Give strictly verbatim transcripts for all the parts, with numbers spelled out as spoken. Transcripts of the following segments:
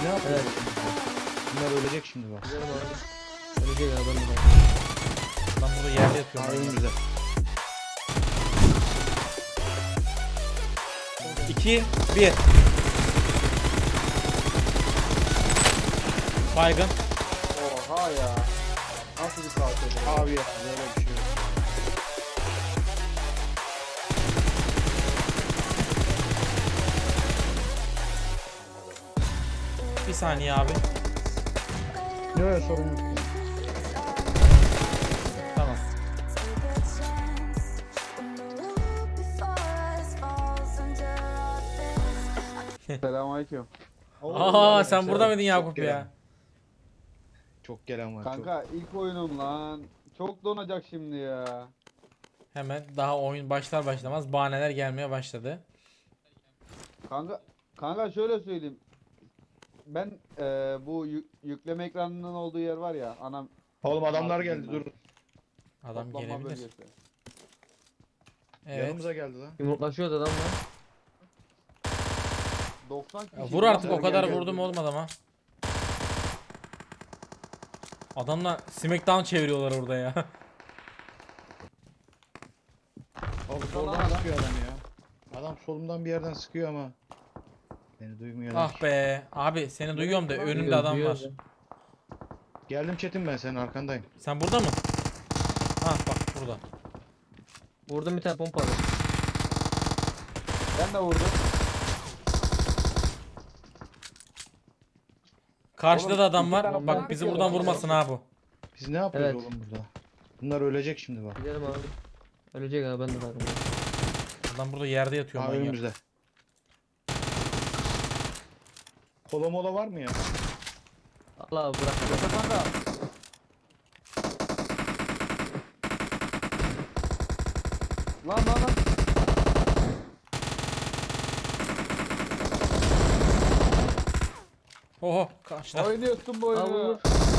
ne yapıyor? Evet. Bunlar ölecek şimdi bak. Gidelim abi. Ölecek ya ben de bak. Lan burada yerde yatıyorum. Aa, ben. önümüzde. iki bir. Baygın. Oha ya. Nasıl bir katil? Abi ya böyle bir şey yok. Bir saniye abi. Yok sorun yok. Tamam. Selamünaleyküm. Aa sen burada mıydın Yakup Çok ya? gelen. Çok gelen var. Kanka ilk oyunum lan. Çok donacak şimdi ya. Hemen daha oyun başlar başlamaz bahaneler gelmeye başladı. Kanka kanka şöyle söyleyeyim. Ben eee, bu yük- yükleme ekranının olduğu yer var ya. Anam Çok. Oğlum adamlar geldi dur. Adam toplanma gelebilir. bölgesi. Evet. Yanımıza geldi lan. Yumruklaşıyoruz adamla. doksan kişi. Ya vur artık lan. o kadar Gel, gel, vurdum gel. olmadı ama. Adamlar Smackdown çeviriyorlar orada ya. Oğlum Lan soldan adam. sıkıyor adam ya. Adam solumdan bir yerden sıkıyor ama. Beni duymuyorlar. Ah be. Abi seni duyuyorum da önümde Duyuyor, adam duyuyor var. da. Geldim Çetin ben senin arkandayım. Sen burada mı? Ha bak burada. Vurdum bir tane pompalı. Ben de vurdum. Karşıda Oğlum, da adam iki var. tane Bak bomba bizi atıyor buradan lan. vurmasın ha bu. Biz ne yapıyoruz Evet. oğlum burada? Bunlar ölecek şimdi bak. Gidelim abi. Ölecek abi ben de bakıyorum. Adam burada yerde yatıyor Aa manyak. önümüzde. Kola mola var mı ya? Allah abi bırak. Yoksa kanka. Lan lan lan. Oho kaçta. Oynuyorsun bu Al oyunu. vur.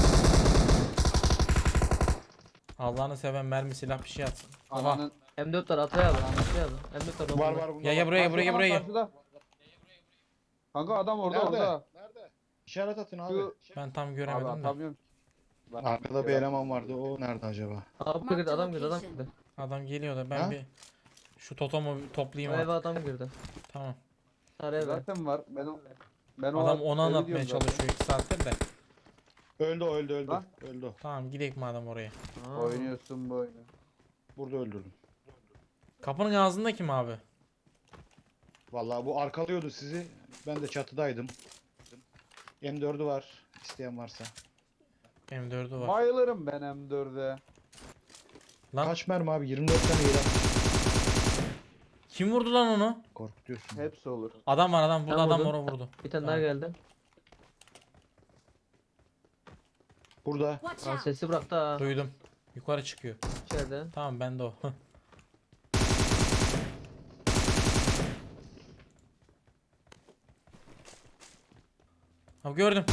Allah'ını seven mermi silah bir şey atsın. Oha. Ananın. M dört var ataya abi. Ataya abi. M dört var. Var bomba. var bunda. Ya ya var. buraya buraya Karşıda, buraya gel. karşıda. Kanka adam orada Nerede? orada. Nerede? İşaret atın abi. Şu Ben tam abi göremedim de. atamıyorum. Bak, Arkada bir eleman vardı. O nerede acaba? Abi girdi adam girdi adam girdi. Adam geliyor da ben Ha? bir şu totomu bir O toplayayım eve artık. adam girdi. Tamam. Sarı eve. Zaten var. Ben o ben o Adam onu evi anlatmaya diyorum zaten. çalışıyor iki saattir de. Öldü o öldü öldü. Lan. Öldü o. Tamam gidelim madem oraya. Aa. Oynuyorsun bu oyunu. Burada öldürdüm. Kapının ağzında kim abi? Vallahi bu arkalıyordu sizi. Ben de çatıdaydım. M dördü var. İsteyen varsa. M dördü var. Bayılırım ben M dörde. Lan Kaç mermi abi? yirmi dört tane yedi. kim vurdu lan onu? Korkutuyorsun. Hepsi olur. Adam var adam burada Ben adam vurdum. onu vurdu. Bir tane Tamam. daha geldi. Burada. Watch Aa, out! sesi bıraktı ha. Duydum. Yukarı çıkıyor. İçeride. Tamam bende o. Abi gördüm.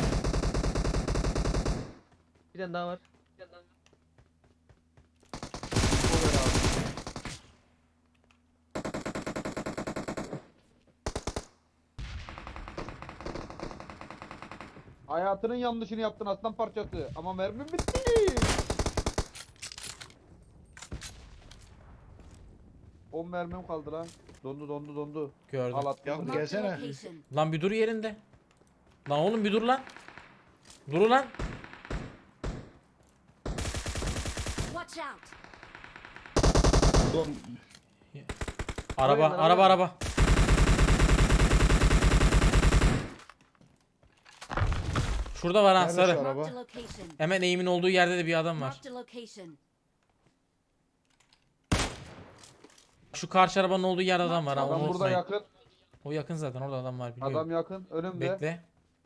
Bir tane daha var. Bir tane daha var. Olur abi. Hayatının yanlışını yaptın aslan parçası. Ama mermim bitti. on mermim kaldı lan. Dondu dondu dondu. Gördüm. Al attım. Ya bunu. gel- Gelsene. Marked a location. Lan bir dur yerinde. Lan oğlum bir dur lan. Dur lan. Watch out! Ulan Araba Oraya lan, araba oraya. araba. Şurada var ha Nerede sarı. şu Marked a araba? location. Hemen eğimin olduğu yerde de bir adam var. Marked a location. Şu karşı arabanın olduğu yerde adam var ha. Adam Onu burada unutmayın. yakın. O yakın zaten orada adam var biliyorum. Adam yakın. Önümde. Bekle.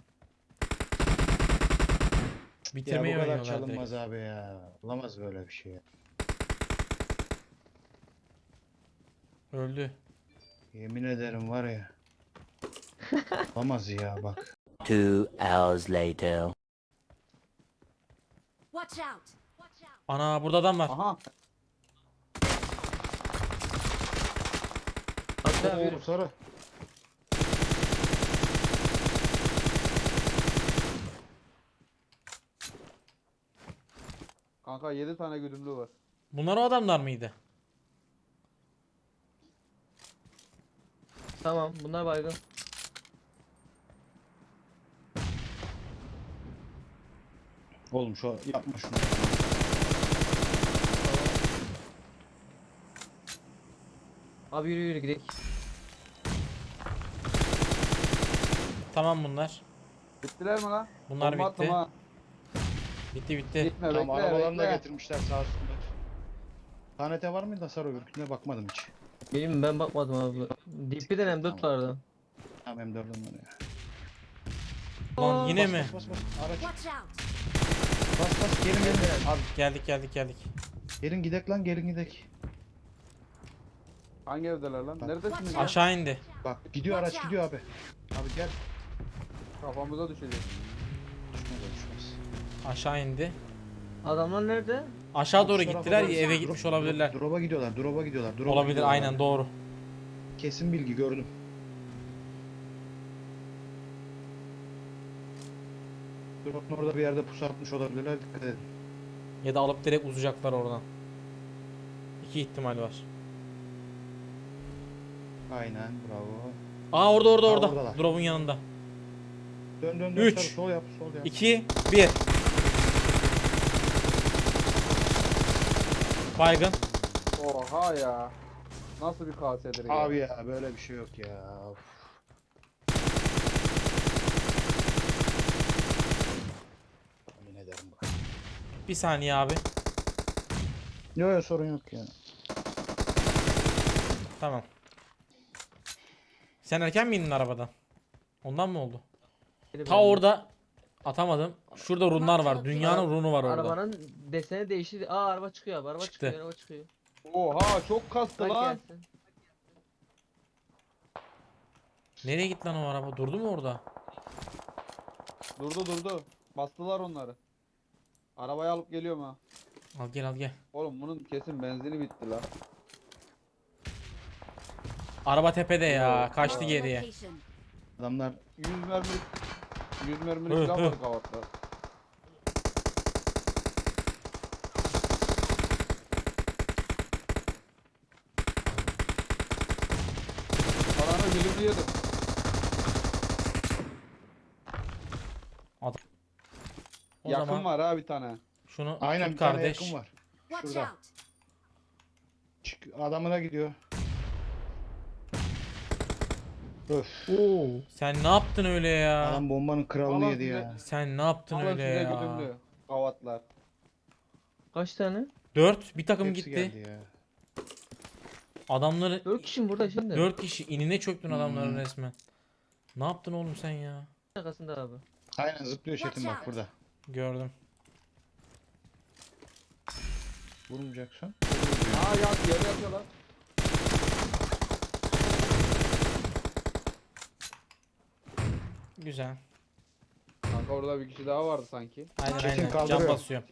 ya Bitirmeyi bu kadar öğreniyorlar direkt. çalınmaz abi ya. Olamaz böyle bir şey ya. Öldü. Yemin ederim var ya. Olamaz ya bak. Two hours later. Watch out! Watch out! Ana burada adam var. Aha. Ataya abi yürü. Oo, sarı. Kanka yedi tane güdümlü var. Bunlar o adamlar mıydı? Tamam bunlar baygın. Oğlum şu yapma şunu. Abi yürü yürü gidelim. Tamam bunlar. Bittiler mi lan? Bunlar Bomba attım bitti. ha. Bitti bitti. Gitme Tamam bekle arabalarını da bekle. getirmişler sağ olsunlar. Tanete var mıydı hasar öbürküne bakmadım hiç. Benim ben bakmadım abi. D P'den M dört vardı. Tamam M dördüm var ya. Lan yine Bas, mi? Bas bas bas. Araç. Watch out! Bas bas gelin gelin. Abi geldik geldik geldik. Gelin gidek lan gelin gidek. Hangi evdeler lan? Neredesiniz ya? Aşağı indi. Bak gidiyor araç gidiyor abi. Abi gel. Kafamıza düşecek. Düşmez o düşmez. Aşağı indi. Adamlar nerede? Aşağı doğru Şu tarafa gittiler doğru- ya, eve Drop- gitmiş drop- olabilirler. Drop'a gidiyorlar drop'a gidiyorlar. Drop'a Olabilir gidiyorlar aynen abi. doğru. Kesin bilgi gördüm. Drop'un orada bir yerde pusu atmış olabilirler dikkat edin. Ya da alıp direkt uzayacaklar oradan. İki ihtimal var. Aynen bravo. Aa orada orada Aa, orada. oradalar. Drop'un yanında. Dön dön dön Üç. sarı, sol yap sol yap. iki bir. Baygın. Oha ya. Nasıl bir kasedir ya? Abi ya böyle bir şey yok ya. Of. Yemin ederim bak. Bir saniye abi. Yok yok sorun yok ya. Tamam. Sen erken mi indin arabadan? Ondan mı oldu? Biri Ta bende. orada atamadım. Şurada runlar var. Dünyanın runu var orada. Arabanın deseni değişti. Aa araba çıkıyor abi. Araba Çıktı. çıkıyor. Araba çıkıyor. Oha çok kastı Bak lan. gelsin. Nereye gitti lan o araba? Durdu mu orada? Durdu durdu. Bastılar onları. Arabayı alıp geliyorum ha. Al gel al gel. Oğlum bunun kesin benzini bitti lan. Araba tepede ya. Kaçtı Marked a geriye. location. Adamlar yüz mermi yüz mermilik Hı, silah hı. var kavatta. Paranı dilimli yedim. O Yakın zaman var ha bir tane. şunu aynen tut bir tane kardeş. yakın var. Watch Şurada. out! Çık adamına gidiyor. Öf. Oo. Sen ne yaptın öyle ya? Adam bombanın kralını Alın yedi size. ya. Sen ne yaptın Alın öyle size ya? güdümlü. Kavatlar. Kaç tane? Dört. Bir takım Hepsi gitti. geldi ya. Adamları Dört kişi mi burada şimdi? dört kişi inine çöktün adamların Hmm. resmen. Ne yaptın oğlum sen ya? Arkasında abi. Aynen zıplıyor Çetin Watch bak out. burada. Gördüm. Vurmayacaksın. Aa yat yere yatıyorlar. Güzel. Kanka orada bir kişi daha vardı sanki. Aynen Çetin aynen. Can kaldırıyor. basıyorum.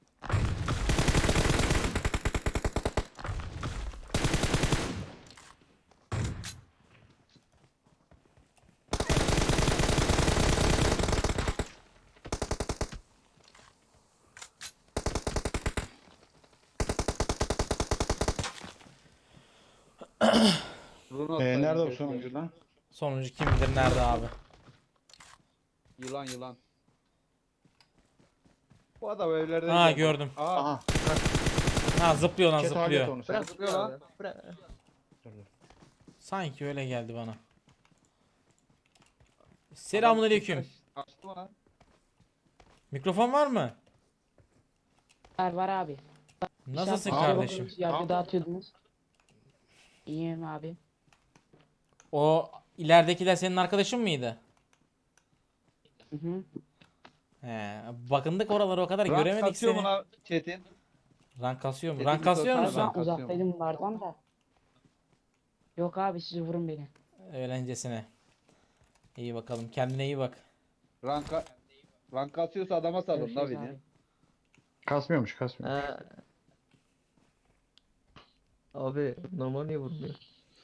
Runo Ee, atsaydın nerede o keşke. sonuncu lan? Sonuncu kim bilir nerede abi? Yılan yılan. Bu adam evlerde. Ha gördüm. Aha. Aha. Ha zıplıyor lan Ket hallet zıplıyor. onu sen. Bırak Zıplıyor lan. abi. Bırak. Dur, dur. Sanki öyle geldi bana. Selamünaleyküm. Açtı mı lan? Mikrofon var mı? Var var abi. Nasılsın Şarkı kardeşim? yapıyordunuz, Yargı dağıtıyordunuz. İyiyim abi. O ileridekiler senin arkadaşın mıydı? Hı hı. He, bakındık oraları o kadar Rank göremedik kasıyor seni. mu lan Çetin? Rank kasıyor mu? Çetin Rank kasıyor Köse- musun? Ben kasıyorum. uzaktaydım bunlardan da. Yok abi siz vurun beni. Öğlencesine. İyi bakalım. Kendine iyi bak. Ranka rank kasıyorsa adama salın Görüşürüz la abi. beni. Kasmıyormuş kasmıyor. Ha. Abi normal niye vurmuyor?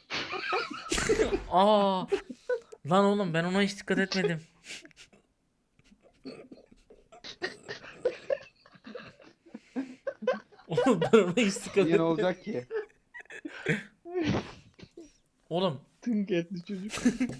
Aa! Lan oğlum ben ona hiç dikkat etmedim. Ben ona hiç dikkat Niye ne etmedim. olacak ki? Oğlum Tınk etli çocuk.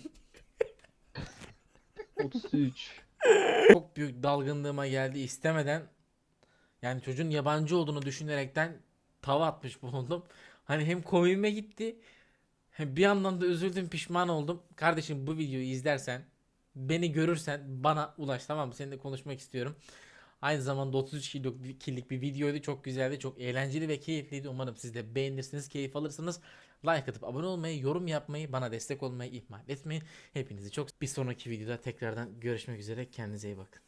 otuz üç. çok büyük dalgınlığıma geldi istemeden. Yani çocuğun yabancı olduğunu düşünerekten tava atmış bulundum. Hani hem komiğime gitti. Hem bir yandan da üzüldüm, pişman oldum. Kardeşim bu videoyu izlersen, beni görürsen bana ulaş, tamam mı? Seninle konuşmak istiyorum. Aynı zamanda otuz üç kiloluk bir videoydu. Çok güzeldi, çok eğlenceli ve keyifliydi. Umarım siz de beğenirsiniz, keyif alırsınız. Like atıp abone olmayı, yorum yapmayı, bana destek olmayı ihmal etmeyin. Hepinizi çok bir sonraki videoda tekrardan görüşmek üzere. Kendinize iyi bakın.